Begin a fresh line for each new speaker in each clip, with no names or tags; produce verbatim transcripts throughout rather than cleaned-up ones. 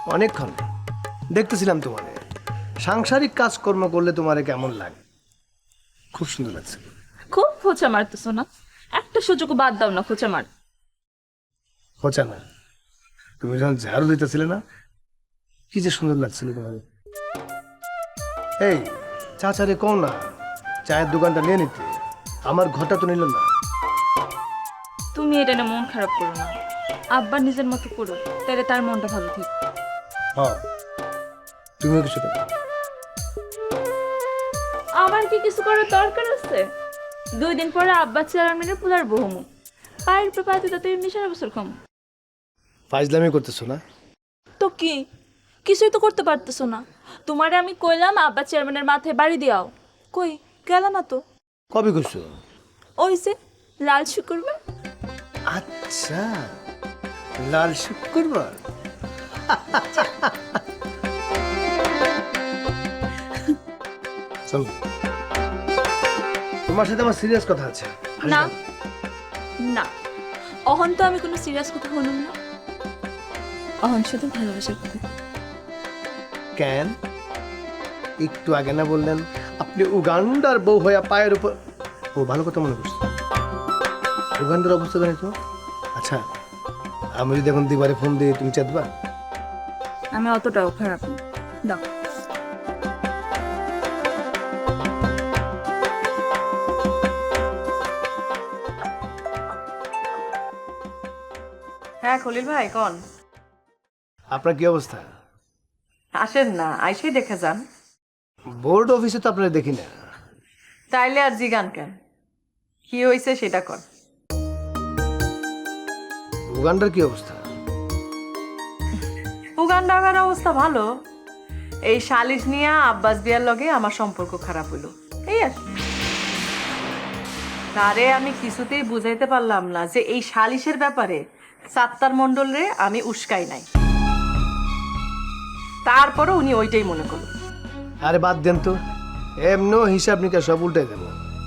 অনেকক্ষণ দেখতেছিলাম তোমারে। সাংসারিক কাজকর্ম করলে তোমারে কেমন লাগে? খুব সুন্দর লাগছে।
খুব খোঁচা মারতেছো না? একটা সুযোগ বাদ দাও না খোঁচা মার।
হচ্ছে না, তুমি যখন ঝাড়ু দিতেছিলে না, কি যে সুন্দর লাগছিল তোমার। এই চাচারে কও না চায়ের দোকানটা নিয়ে নিতে, আমার ঘরটা তো নিল না।
তুমি এটা না মন খারাপ করো না, আব্বা নিজের মতো করো, তাহলে তার মনটা ভালো থাকবে।
হ্যাঁ, তুমিও কিছু করো।
আমার কি কিছু করার দরকার আছে? দুই দিন পরে আব্বা চেয়ারম্যানের পুলার বহুমু, পায়ের উপরে পায়ে দিতে এমনি সারা বছর কম।
ফাইজলামি করতেছো না?
তো কি, কিছুই তো করতে পারতেছো না। তোমারে আমি কইলাম আব্বা চেয়ারম্যানের মাথায় বাড়ি দিয়াও, কই গেল না তো।
কবে করছো?
ওই যে লাল শুকুরবার।
আচ্ছা, লাল শুক্রবার। চল, তোমার সাথে আমার সিরিয়াস কথা আছে।
না না, অহন তো আমি কোনো সিরিয়াস কথা শুনুম না, অহন শুধু ভালোবাসার কথা।
কেন? একটু আগে না বললেন আপনি উগান্ডার বউ হইয়া পায়ের উপর। ও ভালো কথা মনে করছি। উগান্ডার অবস্থা জানি তো। আচ্ছা, আমি যদি এখন দিবারে ফোন দিয়ে তুমি চাঁদবা?
আমি অতটাও খারাপ না, দাও।
হ্যাঁ খলিল ভাই কোন?
আপনার কি অবস্থা?
আসেন না, আইসেই দেখে যান।
বোর্ড অফিসে তো আপনারা দেখি না।
তাইলে আর জিগান কেন, কি হয়েছে সেটা কর।
উগান্ডার কি অবস্থা?
উগান্ডার অবস্থা ভালো। এই সালিশ নিয়ে আব্বাস বিয়ার লগে আমার সম্পর্ক খারাপ হইলো, এই আর কি। তারে আমি কিছুতেই বুঝাইতে পারলাম না যে এই সালিশের ব্যাপারে সাত্তার মণ্ডলরে আমি উস্কাই নাই। তারপরও উনি ওইটাই মনে করল।
আরে বাদ দেন তো, এমনও হিসাব নিকাশ সব উল্টে দেব।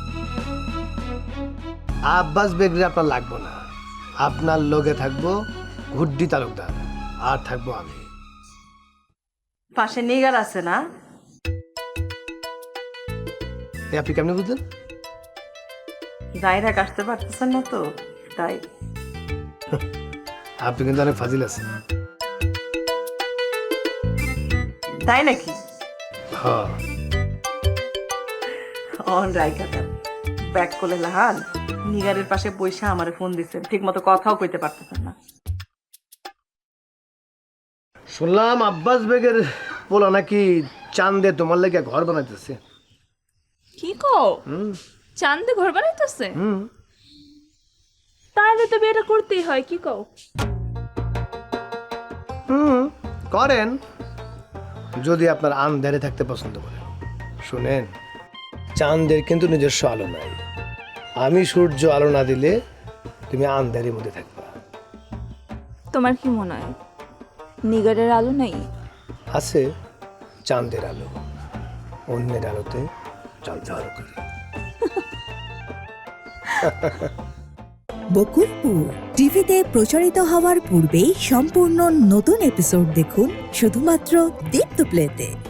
আব্বাস বেগরে আপনার লাগবো না, আপনার লগে থাকবো গুড্ডি তালুকদার, আর থাকবো আমি।
পাশে নিগার আছে না?
এ আপনি কেমনি বুঝলেন?
জায়গা আসতে পারতেছেন না তো তাই।
আপনি কিন্তু অনেক ফাজিল আছেন।
তাই নাকি?
হ্যাঁ,
অন রাইকা দেন ব্যাক করলে লাহান নিগারের পাশে বইসা আমারে ফোন দিছেন, ঠিক মতো কথাও কইতে পারতেছেন না।
শুনলাম আব্বাস বেগের পোলা নাকি চান্দে তোমার লেগে ঘর বানাইতেছে।
কি কও? চান্দে ঘর বানাইতেছে?
হুম,
তাহলে তো বিয়েটা করতেই হয়, কি কও?
হুম, করেন যদি আপনার আন্ধারে থাকতে পছন্দ করেন। শুনেন, চাঁদের কিন্তু নিজস্ব আলো নাই। আমি সূর্য আলো না দিলে তুমি আন্ধারের মধ্যে থাকবা।
তোমার কি মনে হয় নিগারের আলো নাই?
আছে চাঁদের আলো, অন্যের আলোতে ঝলঝল করে।
বকুলপুর টিভিতে প্রচারিত হওয়ার পূর্বেই সম্পূর্ণ নতুন এপিসোড দেখুন শুধুমাত্র দীপ্ত প্লেতে।